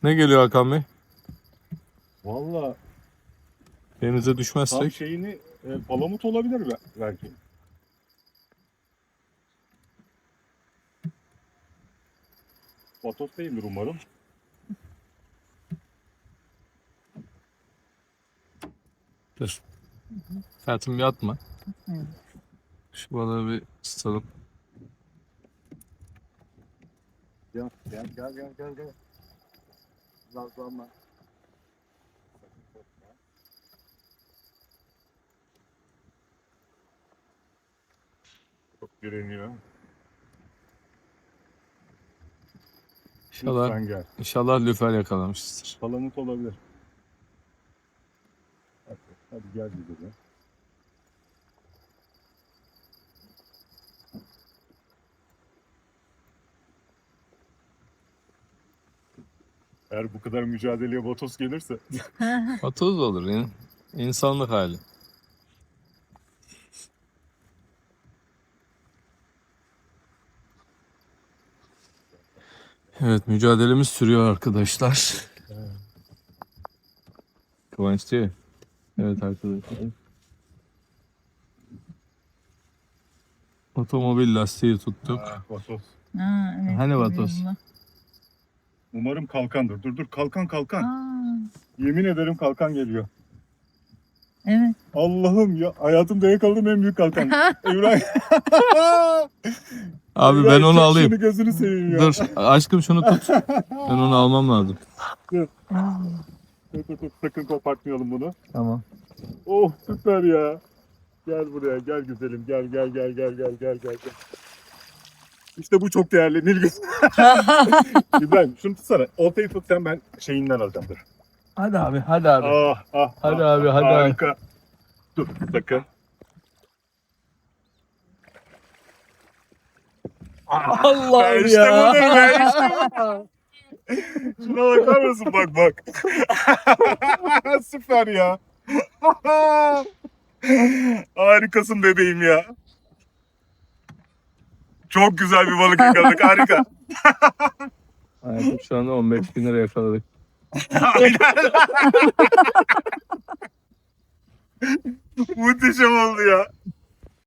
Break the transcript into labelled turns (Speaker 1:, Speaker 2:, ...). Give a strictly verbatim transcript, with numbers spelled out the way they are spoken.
Speaker 1: Ne geliyor Hakan Bey?
Speaker 2: Valla
Speaker 1: Denize
Speaker 2: tam
Speaker 1: düşmezsek.
Speaker 2: şeyini e, palamut olabilir be- belki. Vatos değildir umarım.
Speaker 1: Dur. Hayatım bir atma.
Speaker 3: Hı.
Speaker 1: Şu balığı bir tutalım.
Speaker 2: Gel gel gel gel gel. gel. Nazlanma. Çok direniyor.
Speaker 1: İnşallah,
Speaker 2: Lütfen gel.
Speaker 1: inşallah lüfer yakalamışızdır.
Speaker 2: Palamut olabilir. Hadi, hadi gel gidelim. Eğer bu kadar mücadeleye Vatos gelirse
Speaker 1: Vatoz olur yani. İnsanlık hali. Evet, mücadelemiz sürüyor arkadaşlar. Kıvanç diyor. Evet arkadaşlar. Otomobil lastiği tuttuk.
Speaker 2: Ah, Vatos.
Speaker 3: Ha, evet,
Speaker 1: Hani
Speaker 3: biliyorum
Speaker 1: vatoz?
Speaker 3: bunu.
Speaker 2: Umarım kalkandır. Dur dur kalkan kalkan.
Speaker 3: Aa,
Speaker 2: Yemin ederim kalkan geliyor.
Speaker 3: evet.
Speaker 2: Allah'ım ya hayatımda yakaladığım en büyük kalkan. İbrahim.
Speaker 1: Abi ben
Speaker 2: İbrahim,
Speaker 1: onu
Speaker 2: çek
Speaker 1: alayım.
Speaker 2: Şunu gözünü seveyim ya.
Speaker 1: Dur aşkım şunu tut. Ben onu almam lazım.
Speaker 2: Dur dur dur sakın kopartmayalım bunu.
Speaker 1: Tamam.
Speaker 2: Oh süper ya. Gel buraya gel güzelim gel gel gel gel gel gel gel. gel. İşte bu çok değerli Nilgün. İbrahim şunu tutsana. Oltayı tut sen ben şeyinden alacağım dur.
Speaker 1: Hadi abi hadi abi.
Speaker 2: Ah ah.
Speaker 1: Hadi
Speaker 2: ah,
Speaker 1: abi,
Speaker 2: ah,
Speaker 1: hadi abi.
Speaker 2: harika. Dur sakın.
Speaker 1: Allah'ım
Speaker 2: işte
Speaker 1: ya.
Speaker 2: budur be işte bu. Şuna bakar mısın bak bak. Süper ya. Harikasın bebeğim ya. Çok güzel bir balık yakaladık harika.
Speaker 1: Hayatım şu anda on beş bin lira yakaladık.
Speaker 2: Aynen. Muhteşem oldu ya.